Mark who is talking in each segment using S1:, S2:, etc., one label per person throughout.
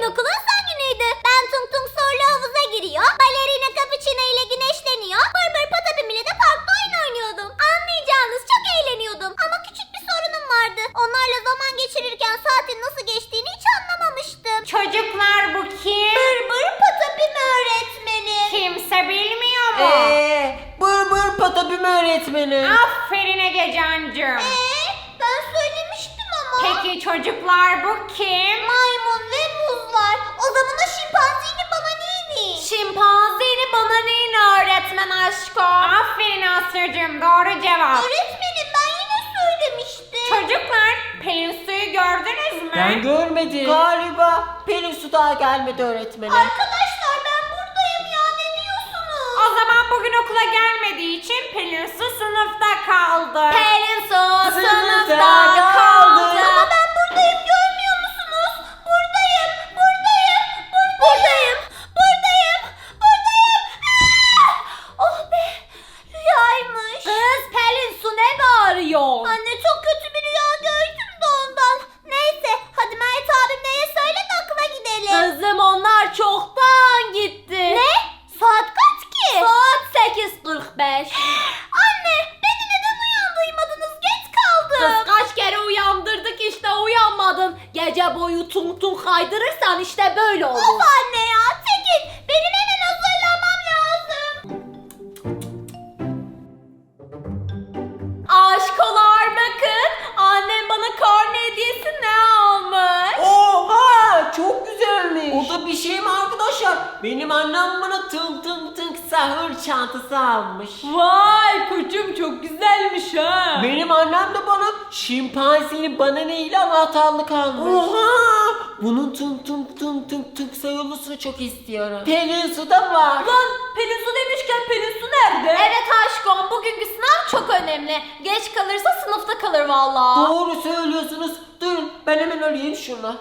S1: okulun son günüydü. Ben Tung Tung Sorlu havuza giriyor. Balerina Cappuccino ile güneşleniyor. Bır Patapim ile de parkta oyun oynuyordum. Anlayacağınız çok eğleniyordum. Ama küçük bir sorunum vardı. Onlarla zaman geçirirken saatin nasıl geçtiğini hiç anlamamıştım.
S2: Çocuklar bu kim?
S1: Bır Patapim öğretmenim.
S2: Kimse bilmiyor mu?
S3: Bır Patapim öğretmenim.
S2: Aferin Egecancığım.
S1: Ben söylemiştim ama.
S2: Peki çocuklar bu kim?
S1: Maymun ve muz var. O zaman o şimpanzini bana neydi?
S2: Şimpanzini bana neyin öğretmen aşkım? Aferin Aslı'cığım, doğru cevap.
S1: Öğretmenim ben yine söylemiştim.
S2: Çocuklar, Pelin Su'yu gördünüz mü?
S3: Ben görmedim. Galiba Pelin Su daha gelmedi öğretmenim.
S1: Arkadaşlar ben buradayım ya, ne diyorsunuz?
S2: O zaman bugün okula gelmediği için Pelin Su sınıfta kaldı.
S1: Pelin Su
S3: Sınıfta kaldı.
S1: Ama ben buradayım, görmüyor musunuz? Buradayım. Oh be, rüyaymış.
S2: Kız Pelin Su ne bağırıyor?
S1: Anne çok kötü bir rüya gördüm de ondan. Neyse hadi Mert abim neye söyle de okula gidelim.
S2: Kızım onlar çoktan gitti.
S1: Ne? Saat kaç ki?
S2: Saat 8:45.
S1: Anne beni neden uyandırmadınız? Geç kaldım.
S2: Kız kaç kere uyandırdık işte uyanmadın. Gece boyu tung tung kaydırırsan işte böyle olur.
S1: Of anne ya, çekil. Benim hemen hazırlanmam lazım.
S2: Aşkolar bakın. Annem bana karne hediyesi ne almış?
S3: Oha, çok güzelmiş. O da bir şey mi arkadaşlar? Benim annem bana tınk sahur çantası almış.
S2: Vay koçum çok güzelmiş ha.
S3: Benim annem de bana şimpanzini banana ile anahtarlık almış. Oha! Bunun tınk sayılısını çok istiyorum. Pelin Su da var.
S2: Lan Pelin Su demişken Pelin Su nerede? Evet aşkım bugünkü sınav çok önemli. Geç kalırsa sınıfta kalır vallahi.
S3: Doğru söylüyorsunuz. Durun ben hemen arayayım şunu.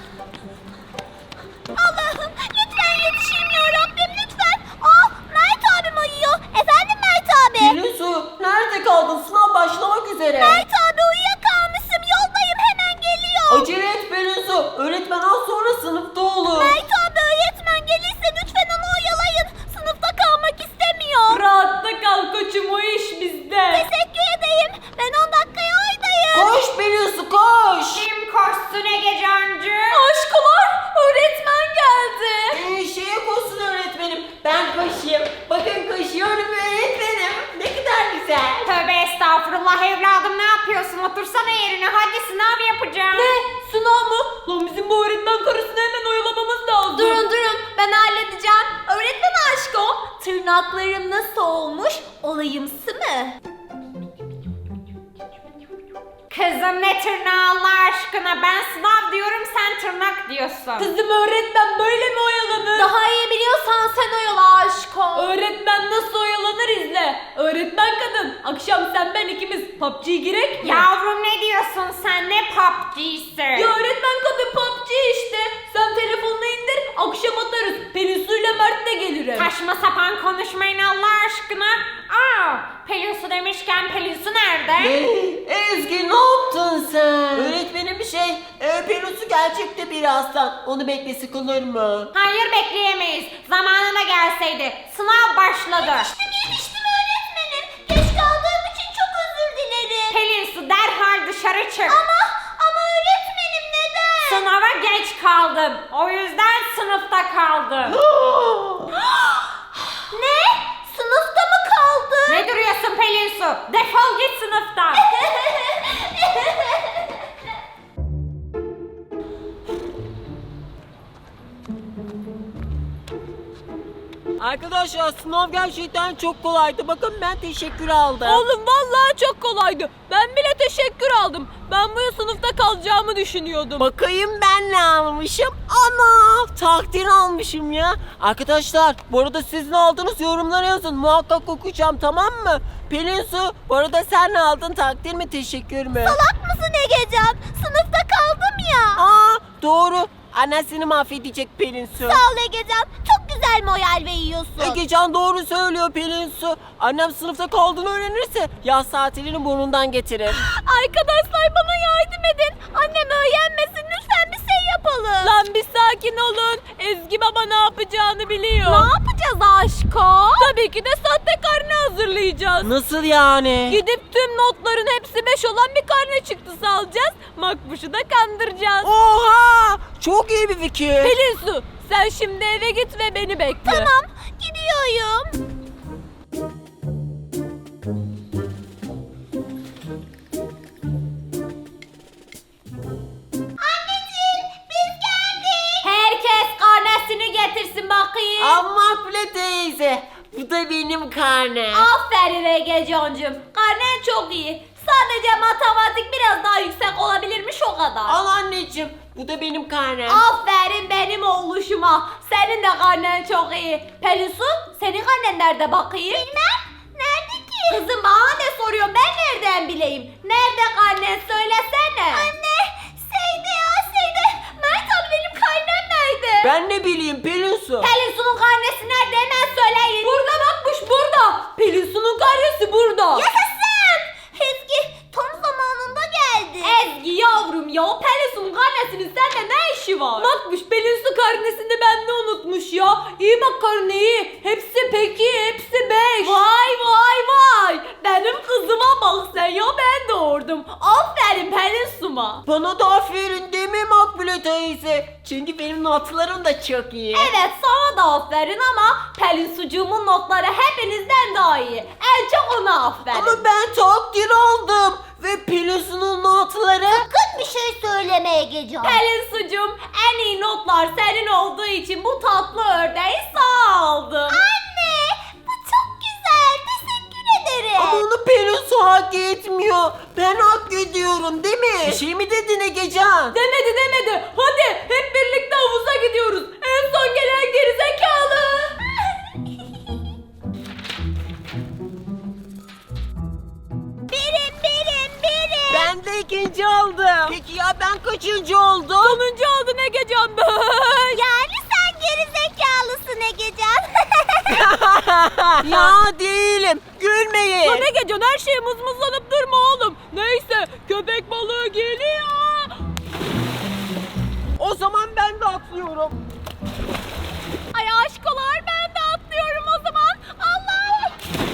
S1: Allah'ım lütfen yetişeyim ya Rabbim lütfen. Mert abim uyuyor. Efendim Mert abi.
S3: Pelin Su nerede kaldın? Sınav başlamak üzere.
S1: Mert abi uyuyakalmışım. Yoldayım, hemen geliyor.
S3: Acele et Pelin Su. Öğretmen az sonra sınıfta olur.
S1: Mert abi öğretmen gelirse lütfen onu oyalayın. Sınıfta kalmak istemiyor.
S2: Rahatta kal koçum o iş bizde.
S1: Teşekkür edeyim. Ben 10 dakikaya oradayım.
S3: Koş Pelin Su koş.
S2: Kim koşsun Egecancı?
S1: Aşkolar öğretmen geldi.
S3: Şeye koşsun öğretmenim. Ben koşayım. Bakın koşuyorum öğretmenim. Ne kadar güzel.
S2: Tövbe estağfurullah evladım ne yapıyorsun? Otursana yerine hadi sınav yapacağım.
S1: Ne?
S2: Sınav mı? Lan bizim bu öğretmen karısını hemen oyalamamız lazım.
S1: Durun ben halledeceğim. Öğretmen aşkım tırnaklarım nasıl olmuş? Olayımsı mı?
S2: Kızım ne tırnağı Allah aşkına ben sınav diyorum sen tırnak diyorsun.
S1: Kızım öğretmen böyle mi oyalanır? Daha iyi biliyorsan sen oyala aşkım.
S2: Öğretmen nasıl oyalanır izle. Öğretmen kadın akşam sen ben ikimiz PUBG'ye girek mi? Yavrum ne diyorsun sen ne PUBG'si?
S1: Ya öğretmen kadın PUBG işte. Sen telefonunu indir akşam atarız. Pelin Su ile Mert de gelir.
S2: Saçma sapan konuşmayın Allah aşkına. Pelin Su demişken Pelin Su nerede?
S3: Ezgi ne yaptın sen? Öğretmenim bir şey. Pelin Su gerçekte birazdan. Onu beklesi kalır mı?
S2: Hayır bekleyemeyiz. Zamanına gelseydi. Sınav başladı.
S1: Yetiştim öğretmenim. Geç kaldığım için çok özür dilerim.
S2: Pelin Su derhal dışarı çık.
S1: Ama öğretmenim neden?
S2: Sınava geç kaldın. O yüzden sınıfta kaldın.
S1: Ne? Sınıfta mı kaldı?
S2: Ne duruyorsun Pelin Su? Defol git sınıftan.
S3: Arkadaşlar sınav gerçekten çok kolaydı. Bakın ben teşekkür aldım.
S4: Oğlum vallahi çok kolaydı. Ben bile teşekkür aldım. Ben bu yıl sınıfta kalacağımı düşünüyordum.
S3: Bakayım ben ne almışım? Ana takdir almışım ya. Arkadaşlar bu arada siz ne aldınız yorumlara yazın. Muhakkak okuyacağım tamam mı? Pelin Su bu arada sen ne aldın? Takdir mi teşekkür mü?
S1: Salak mısın Egecan? Sınıfta kaldım ya.
S3: Doğru. Annen seni mahvedecek Pelin Su.
S1: Sağ ol Egecan. Çok güzel moral veriyorsun.
S3: Egecan doğru söylüyor Pelin Su. Annem sınıfta kaldığını öğrenirse yaz tatilini burnundan getirir.
S1: Arkadaşlar bana yardım edin. Annem öğrenmesin. Lütfen bir
S4: şey yapalım. Lan bir sakin olun. Ezgi baba ne yapacağını biliyor. Ne yapacağız aşko? Tabii ki de sahte karne hazırlayacağız.
S3: Nasıl yani?
S4: Gidip tüm notların hepsi 5 olan bir karne çıktısı alacağız. Makbuş'u da kandıracağız.
S3: Oha! Çok iyi bir fikir.
S4: Pelin Su, sen şimdi eve git ve beni bekle.
S1: Tamam, gidiyorum. Anneciğim, biz geldik.
S2: Herkes karnesini getirsin bakayım.
S3: Makbule teyze, bu da benim karnem.
S2: Aferin Egecancığım. Karnen çok iyi. Sadece matematik biraz daha yüksek olabilirmiş o kadar.
S3: Al anneciğim, bu da benim karnem.
S2: Aferin benim oğluşuma. Senin de karnen çok iyi. Pelin Su, senin karnen nerede bakayım?
S1: Bilmem, nerede ki?
S2: Kızım bana ne soruyor, ben nereden bileyim? Nerede karnen söylesene.
S1: Anne, şeyde. Mert abi benim karnem nerede?
S3: Ben ne bileyim Pelin Su.
S2: Pelin Su'nun karnesi nerede, hemen söyleyin. Burada bakmış, burada. Pelin Su'nun karnesi burada.
S1: Yaşasın! Ezgi tam zamanında geldi.
S2: Ezgi yavrum ya, o Pelin Su'nun karnesinin sende ne işi var? Bakmış Pelin Su karnesini bende unutmuş ya. İyi bak karneyi. Hepsi peki, hepsi 5. Vay. Benim kızıma bak sen ya, ben doğurdum. Aferin Pelin Su'ma.
S3: Bana da aferin değil mi Makbule teyze? Çünkü benim notlarım da çok iyi.
S2: Evet sana da aferin ama Pelin Sucuğumun notları hepinizden daha iyi. En çok ona aferin.
S3: Ama ben takdir aldım. Ve Pelin Su'nun notları...
S1: Sakın bir şey söyleme Egecan.
S2: Pelin Sucuğum, en iyi notlar senin olduğu için bu tatlı ördeği sana aldım.
S1: Anne, bu çok güzel. Teşekkür ederim.
S3: Ama onu Pelin Su hak etmiyor. Ben hak ediyorum değil mi? Bir şey mi dedin Egecan?
S2: Demedi. Hadi hep birlikte havuza gidiyoruz. En son gelen gerizekalı.
S1: Birim.
S3: Ben de ikinci oldum. Peki ya ben kaçıncı oldum?
S4: Sonuncu oldun Egecan.
S1: Yani sen geri zekalısın Egecan.
S3: Ya değilim. Gülmeyin.
S4: Lan Egecan, her şeye mızmızlanıp durma oğlum. Neyse, köpek balığı geliyor.
S3: O zaman ben de atlıyorum.
S4: Ay aşkolar, ben de atlıyorum o zaman. Allah!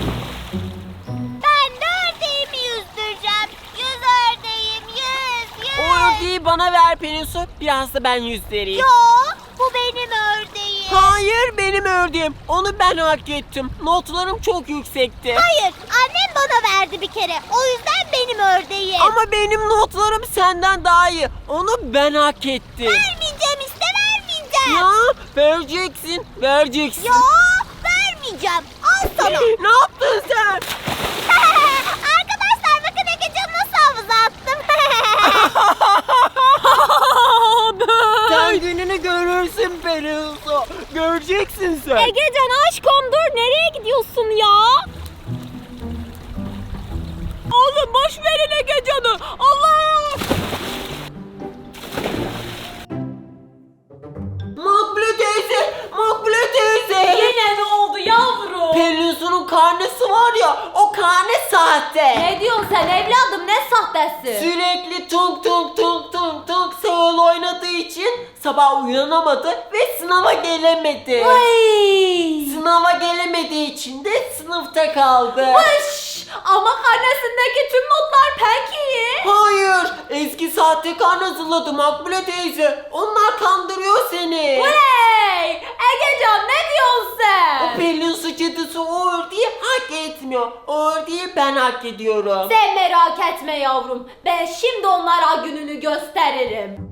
S1: Ben de ördeğimi yüzdüreceğim. Yüz ördeğim, yüz.
S3: O ördeği bana ver Pelin Su. Biraz da ben yüzleriyim.
S1: Yo, bu benim ördeğim.
S3: Hayır benim ördüğüm. Onu ben hak ettim. Notlarım çok yüksekti.
S1: Hayır, annem bana verdi bir kere. O yüzden benim ördeğim.
S3: Ama benim notlarım senden daha iyi. Onu ben hak ettim.
S1: Vermeyeceğim işte, vermeyeceğim.
S3: Ya vereceksin.
S1: Yo, vermeyeceğim. Al sana.
S3: Ne yaptın sen?
S1: Arkadaşlar bakın Egecan'ı nasıl havuza attım.
S3: Sen gününü görürsün Pelin Su. Göreceksin sen.
S4: Egecan aşkım dur, nereye gidiyorsun ya? Oğlum boş verin Egecan'ı. Allah!
S3: Makbule teyze.
S2: Yine ne oldu yavrum?
S3: Pelin Su'nun karnesi var ya, o karne sahte.
S2: Ne diyorsun sen evladım, ne sahtesi?
S3: Sürekli tung sağıl oynadığı için sabah uyanamadı ve sınava gelemedi.
S2: Vay!
S3: Sınava gelemediği için de sınıfta kaldı.
S2: Vış! Ama karnesindeki tüm notlar pek iyi.
S3: Hayır, eski sahte karne hazırladı Makbule teyze. Onlar kandırıyor seni.
S2: Vay! Egecan ne diyorsun
S3: O
S2: sen?
S3: Pelin Su cadısı o ördeği hak etmiyor. O ördeği ben hak ediyorum.
S2: Sen merak etme yavrum. Ben şimdi onlara gününü gösteririm.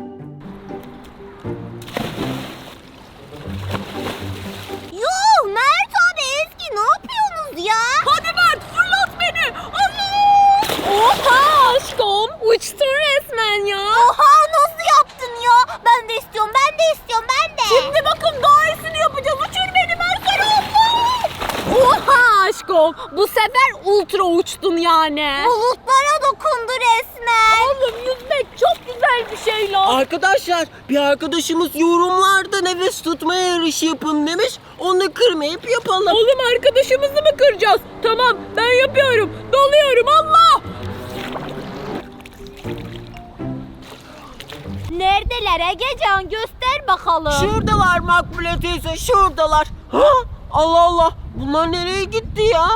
S1: Yuh, Mert abi, Ezgi ne yapıyorsunuz ya?
S4: Hadi Mert, fırlat beni. Allah! Oha aşkım, uçtun resmen ya.
S1: Oha, nasıl yaptın ya? Ben de istiyorum.
S4: Şimdi bakın daha iyisini yapacağız. Uçur beni Mert, Allah! Oha aşkım, bu sefer ultra uçtun yani.
S1: Bulutlara dokundu resmen.
S4: Oğlum yüzmek çok güzel bir şey lan.
S3: Arkadaşlar bir arkadaşımız yorumlarda nefes tutma yarışı yapın demiş. Onu kırmayıp yapalım.
S4: Oğlum arkadaşımızı mı kıracağız? Tamam ben yapıyorum. Doluyorum Allah! Neredeler Egecan, göster bakalım.
S3: Şuradalar Makbule teyze, şuradalar. Ha? Allah Allah, bunlar nereye gitti ya?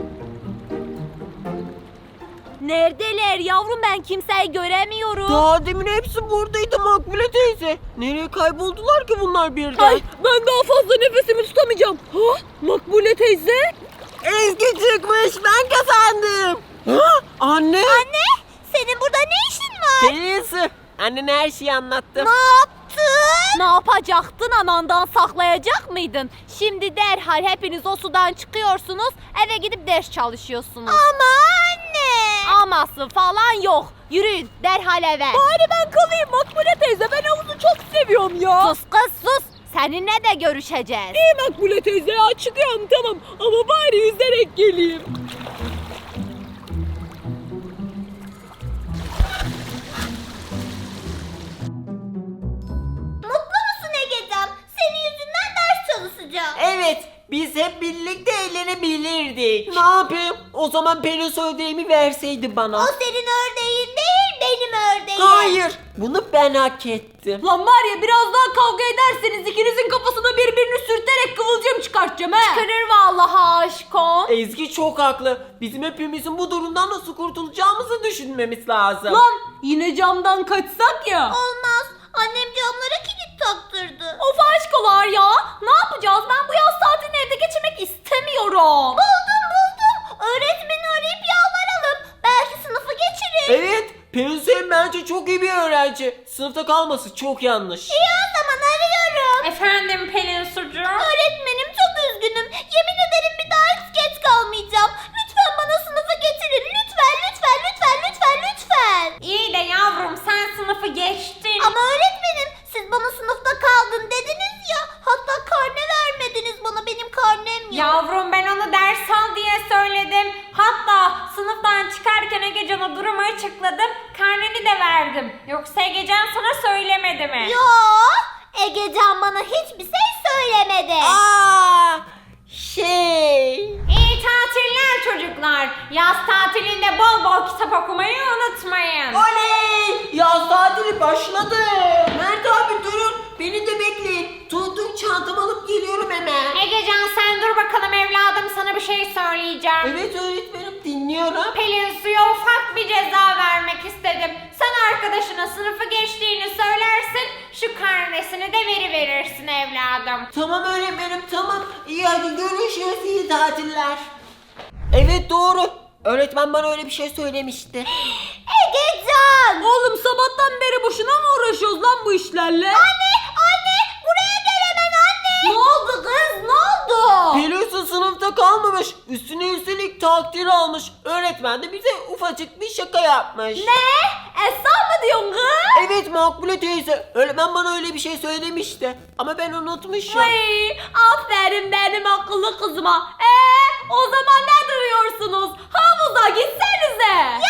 S4: Neredeler yavrum, ben kimseyi göremiyorum.
S3: Daha demin hepsi buradaydı Makbule teyze. Nereye kayboldular ki bunlar birden?
S2: Ay, ben daha fazla nefesimi tutamayacağım. Ha? Makbule teyze.
S3: Ezgi çıkmış, ben kazandım. Ha? Anne.
S1: Anne, senin burada ne işin var?
S3: Pelinsu, annene her şeyi anlattım.
S1: Ne yaptın?
S4: Ne yapacaktın, anandan saklayacak mıydın? Şimdi derhal hepiniz o sudan çıkıyorsunuz, eve gidip ders çalışıyorsunuz.
S1: Ama anne.
S4: Aması falan yok. Yürüyün derhal eve.
S2: Bari ben kalayım Makbule teyze. Ben havuzu çok seviyorum ya.
S4: Sus kız sus. Seninle de görüşeceğiz.
S2: İyi Makbule teyze ya, çıkıyorum tamam. Ama bari yüzerek geleyim.
S1: Mutlu musun Egecan? Senin yüzünden ders çalışacağım.
S3: Evet, biz hep birlikte eğlenebilirdik. Ne yapayım? O zaman Pelinsu ödevimi verseydi bana.
S1: O senin ördeğin değil, benim ördeğim.
S3: Hayır, bunu ben hak ettim.
S2: Lan var ya, biraz daha kavga ederseniz ikinizin kafasına birbirini sürterek kıvılcım çıkartacağım he.
S4: Kırır vallahi aşkım.
S3: Ezgi çok haklı. Bizim hepimizin bu durumdan nasıl kurtulacağımızı düşünmemiz lazım.
S2: Lan yine camdan kaçsak ya.
S1: Olmaz. Annem camlara kilit taktırdı.
S4: Of aşkolar ya. Ne yapacağız? Ben bu yaz tatilini evde geçirmek istemiyorum.
S1: Buldum. Öğretmeni arayıp yalvaralım. Belki sınıfı geçirir.
S3: Evet, Pelinsu hem bence çok iyi bir öğrenci. Sınıfta kalması çok yanlış.
S1: İyi o zaman arıyorum.
S2: Efendim Pelin Sucuğum.
S1: Öğretmenim çok üzgünüm. Yemin ederim bir daha hiç geç kalmayacağım. Lütfen bana sınıfı getirin. Lütfen.
S2: İyi de yavrum, sen sınıfı geçtin.
S1: Ama öğretmenim siz bana sınıfta kaldın dediniz ya. Hatta karne vermediniz bana, benim karnem yok.
S5: Yavrum, ben onu ders al diye söyledim. Hatta sınıftan çıkarken Egecan'a durumu açıkladım. Karneni de verdim. Yoksa Egecan sana söylemedi mi?
S1: Yo, Egecan bana hiçbir şey söylemedi.
S3: Aa,
S5: İyi tatiller çocuklar. Yaz tatilinde bol bol kitap okumayı unutmayın.
S3: Oley! Yaz tatili başladı. Mert abi durun. Beni de bekleyin. Tuttum çantamı alıp geliyorum hemen.
S5: Egecan sen dur bakalım evladım, sana bir şey söyleyeceğim.
S3: Evet öğretmenim, dinliyorum.
S5: Pelin Su'ya ufak bir ceza vermek istedim. Sen arkadaşına sınıfı geçtiğini söylersin, şu karnesini de verirsin evladım.
S3: Tamam öğretmenim, tamam. İyi hadi görüşürüz, iyi tatiller. Evet doğru. Öğretmen bana öyle bir şey söylemişti.
S1: Egecan!
S2: Oğlum sabahtan beri boşuna mı uğraşıyoruz lan bu işlerle?
S1: Anne, buraya gel hemen anne.
S4: Ne oldu kız? Ne oldu?
S3: Pelinsu sınıfta kalmamış. Üstüne üstelik takdir almış. Öğretmen de bize ufacık bir şaka yapmış.
S4: Ne? Esra mı diyorsun kız?
S3: Evet Makbule teyze. Öğretmen bana öyle bir şey söylemişti. Ama ben unutmuşum.
S4: Ay, aferin benim akıllı kızıma. O zaman ne duruyorsunuz? Havuza gitsenize.